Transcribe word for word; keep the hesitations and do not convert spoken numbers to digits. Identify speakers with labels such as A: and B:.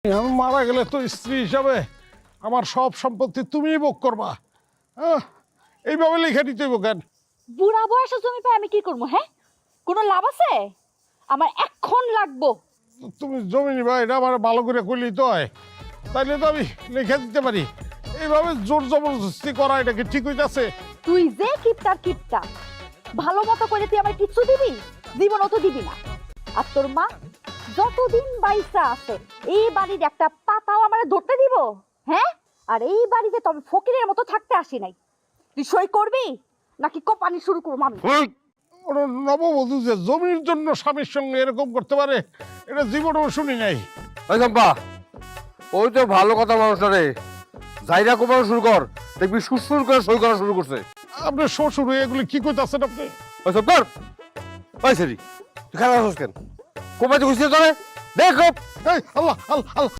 A: আমি মারা গেলে তো স্ত্রী হিসাবে আমার সব সম্পত্তি তুমিই ভোগ করবা। হ্যাঁ, এইভাবে লিখে দিতে হইব কেন?
B: বুড়া বয়সে জমি পাই আমি কি করবো? হ্যাঁ, কোনো লাভ আছে? আমার এখন লাগবো।
A: তুমি জমি নিবা এটা আমার ভালো করে করলেই তো হয়, তাইলে তো আমি লিখে দিতে পারি। এইভাবে জোর জবরদস্তি করা এটা কি ঠিক হইতাছে?
B: তুই যে কিপটার কিপটা, ভালো মতো করে তুই আমার কিচ্ছু দিবি? জীবনও তো দিবি না। আর তোর মা যতদিন বাইসা আছে এই বাড়ির একটা পাতাও আমার ধরতে দিব? হ্যাঁ, আর এই বাড়িতে তো আমি ফকিরের মতো থাকতে আসি নাই। তুই সই করবি নাকি কোপানি শুরু করবো আমি?
A: ওরা নববধূ যে জমির জন্য স্বামীর সঙ্গে এরকম করতে পারে এটা জীবনেও শুনি নাই।
C: ওই চম্পা, ওই তো ভালো কথা মানুষটা রে, জাইরা কোপানো শুরু কর, দেখবি সুরসুর করে সই করা শুরু করছে।
A: আপনার শ্বশুর হয়ে এগুলি কি করতেছেন আপনি?
C: ওই সব কর। ওই সেরি, তুই খারাপ আছিস কেন? কোপাইতে খুঁজছিস তোরে? দেখ কোপ।
A: এই আল্লাহ আল্লাহ আল্লাহ